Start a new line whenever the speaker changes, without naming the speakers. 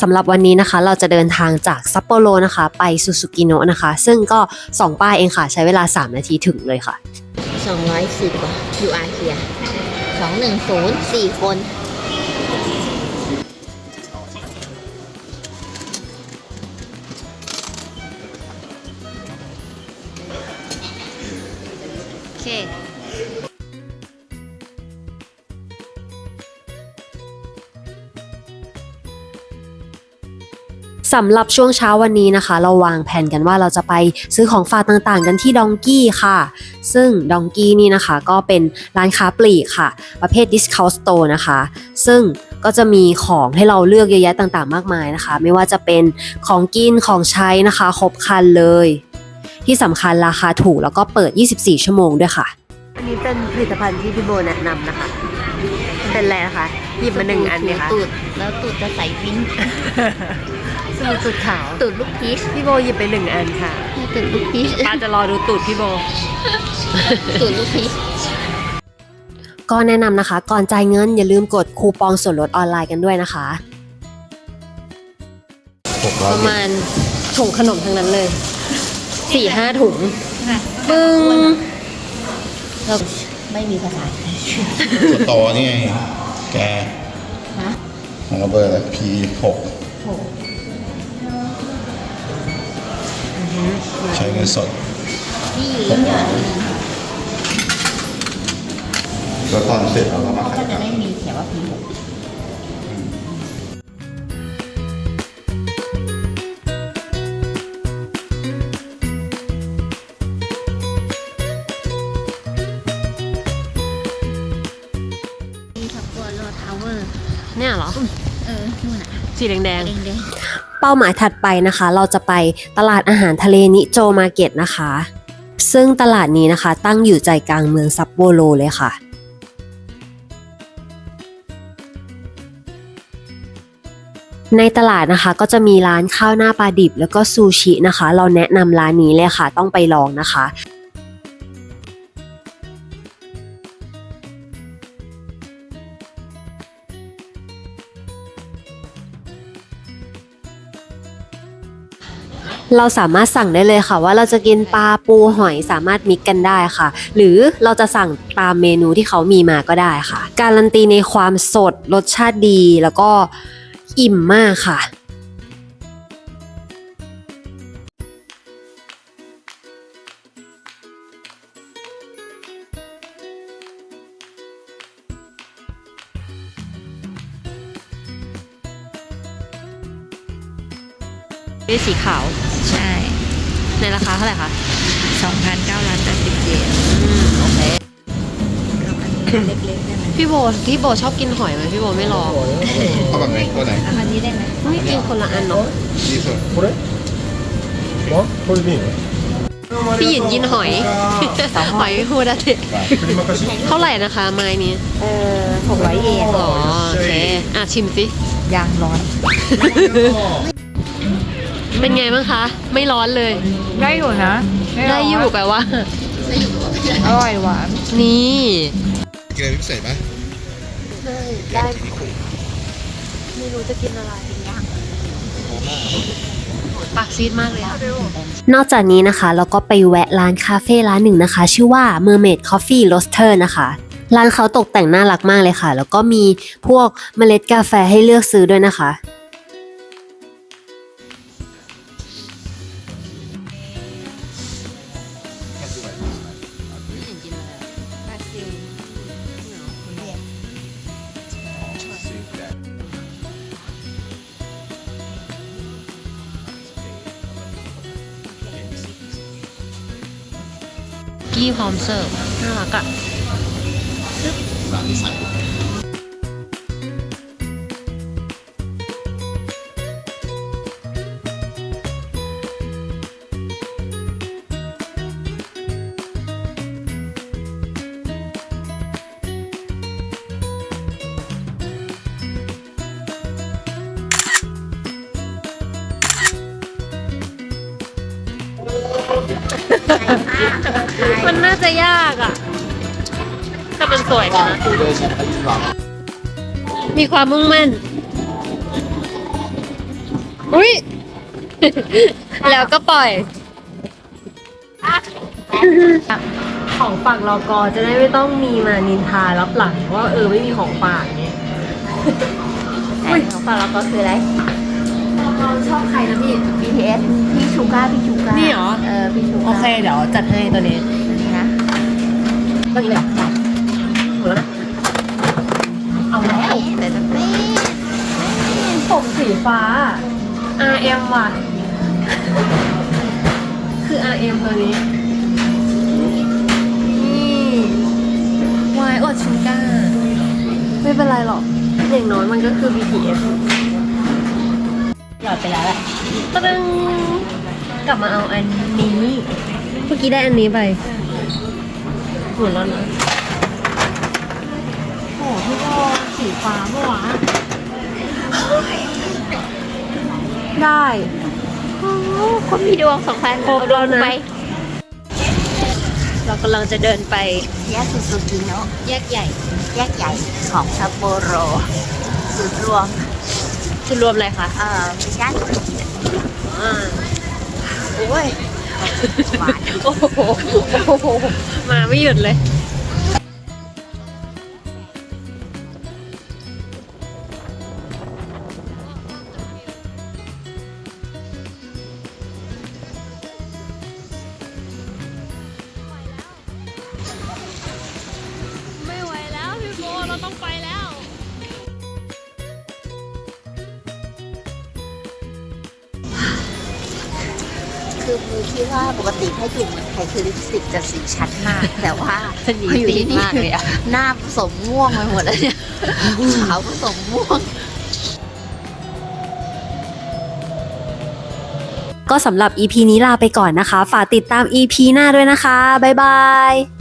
สำหรับวันนี้นะคะเราจะเดินทางจากซัปโปโรนะคะไปซูซูกิโนะนะคะซึ่งก็2 ป้ายเองค่ะใช้เวลา3 นาทีถึงเลยค่ะ
210 ว่ะ QR here 210 4 คนโอเค
สำหรับช่วงเช้าวันนี้นะคะเราวางแผนกันว่าเราจะไปซื้อของฝากต่างๆกันที่ดองกี้ค่ะซึ่งดองกี้นี่นะคะก็เป็นร้านค้าปลีกค่ะประเภท discount store นะคะซึ่งก็จะมีของให้เราเลือกเยอะแยะต่างๆมากมายนะคะไม่ว่าจะเป็นของกินของใช้นะคะครบครันเลยที่สำคัญราคาถูกแล้วก็เปิด24 ชั่วโมงด้วยค่ะอันนี้เป็นผลิตภัณฑ์ที่พี่โบแนะนำนะคะเป็นอะไรนะคะหยิบมา1 อันไหมคะ
ตูดแล้วตูดจะใส่วิ้ง
สมุดตูดขาว
ตูดลูกพีช
พี่โบหยิบไป1 อันค่ะ
ตูดลูกพีช
ป้าจะรอดูตูดพี่โบ
ตูดลูกพีช
ก็แนะนำนะคะก่อนจ่ายเงินอย่าลืมกดคูปองส่วนลดออนไลน์กันด้วยนะคะประมาณถุงขนมทั้งนั้นเลย 4-5 ถุงปึ้งแล้ว
ไม่มีภาษาไทย
สตอนี่ไงแก
ฮะ
ของเราเบอร์อะไร P6 ใช้เงินสด
ที่อยู่ยิ่งใหญ่
แล้วตอนเสร็จเราก็มา
ก็
ขาย
จะได้มีเขียนว่า P6
เนี่ยเหรอ
นู่นน่ะ
สีแดง
แดง
เป้าหมายถัดไปนะคะเราจะไปตลาดอาหารทะเลนิโจมาร์เก็ตนะคะซึ่งตลาดนี้นะคะตั้งอยู่ใจกลางเมืองซัปโปโรเลยค่ะในตลาดนะคะก็จะมีร้านข้าวหน้าปลาดิบแล้วก็ซูชินะคะเราแนะนำร้านนี้เลยค่ะต้องไปลองนะคะเราสามารถสั่งได้เลยค่ะว่าเราจะกินปลาปูหอยสามารถมิกกันได้ค่ะหรือเราจะสั่งตามเมนูที่เขามีมาก็ได้ค่ะการันตีในความสดรสชาติดีแล้วก็อิ่มมากค่ะนี่สีขาว
ใช่
ในราคาเท่าไหร่คะ
2,980 เยน
โอเค
เล็กๆได้ไหม
พี่โบชอบกินหอยไหมพี่โบไม่ลอง
เอาแบบไหนตัวไหน
เอาอันนี้ได้ไหม
ไม่กินคนละอันเนาะ
ดีสุด
これあこれでいいの
พี่หยินกินหอย หอยฮูดาเตะ
振りまかし
เท่าไหร่นะคะไม้นี้
600 เยน
อ๋อโอเคชิมสิ
ยางร้อน
เป็นไงบ้างคะไม่ร้อนเลย
ได้อยู่นะม่ร้
ได้
น
อยู่แปลว่า
อร่อยหวาน
นี่
กินอะไรพิเศษไหม
ได้ไม่รู้จะกินอะไรปากซีดมากเลยนอกจากนี้นะคะเราก็ไปแวะร้านคาเฟ่ร้านหนึ่งนะคะชื่อว่า Mermaid Coffee Roaster นะคะร้านเขาตกแต่งน่ารักมากเลยค่ะแล้วก็มีพวกเมล็ดกาแฟให้เลือกซื้อด้วยนะคะกี้พร้อมเสิร์ฟน่ารักอ่ะ
ร้านที่ใส่
มันน่าจะยากอ่ะแต่มันสวยนะมีความมุ่งมั่นอุ้ย แล้วก็ปล่อย ของฝากรอกอจะได้ไม่ต้องมีมานินทารับหลังว่าไม่มีของฝากเนี้ย
ไหนของฝากเราก็คืออะไร
เราชอบใครนะพี่
BTS พี่ชูก้าพี่ชูก้า
นี่เหรอ
พี่ชูก้า
โอเคเดี๋ยวจัดให้ตัวนี้
นี่นะ
ตัวนี้เลยเหรอหมดแล้วนะ เอาแล้ว
แต่จะเต้
ผมสีฟ้า RM ว่ะ คือ RM ตัวนี้ นี่วายอดชูก้า ไม่เป็นไรหรอก อย่างน้อยมันก็คือ BTS หยอดไปแล้วแหละตะดึงกลับมาเอาอันนี้ เมื่อกี้ได้อันนี้ไปหมดแล้วนะโอ้พี่โบสีฟ้าเมื่อวานได้
คนมีดวง2,000
ครบแล้วนะ
ไป
เรากำลังจะเดินไป
แยกซูซูกิโนะ
แยกใหญ่
แยกใหญ่ของซัปโปโรศูนย์รวม
จุดรวมอะไรคะ
ไม่ใช่
โอ้ย
หวาน
โอ้โห มาไม่หยุดเลย
ไม่ไหวแล้วพี่โบเราต้องไปแล้ว
คือมือคิดว่าปกติถ้าอยู่เมืองไทยคือลิปสติกจะสีชัดมาก แต่ว่า
อันนี้
พออยู่ที่
ตี
นี่
มากเลยอะ
หน้าผสมม่วงไปหมดแล้วเนี่ยขาวผสมม่วง
ก็สำหรับ EP นี้ลาไปก่อนนะคะ ฝากติดตาม EP หน้าด้วยนะคะ บ๊ายบาย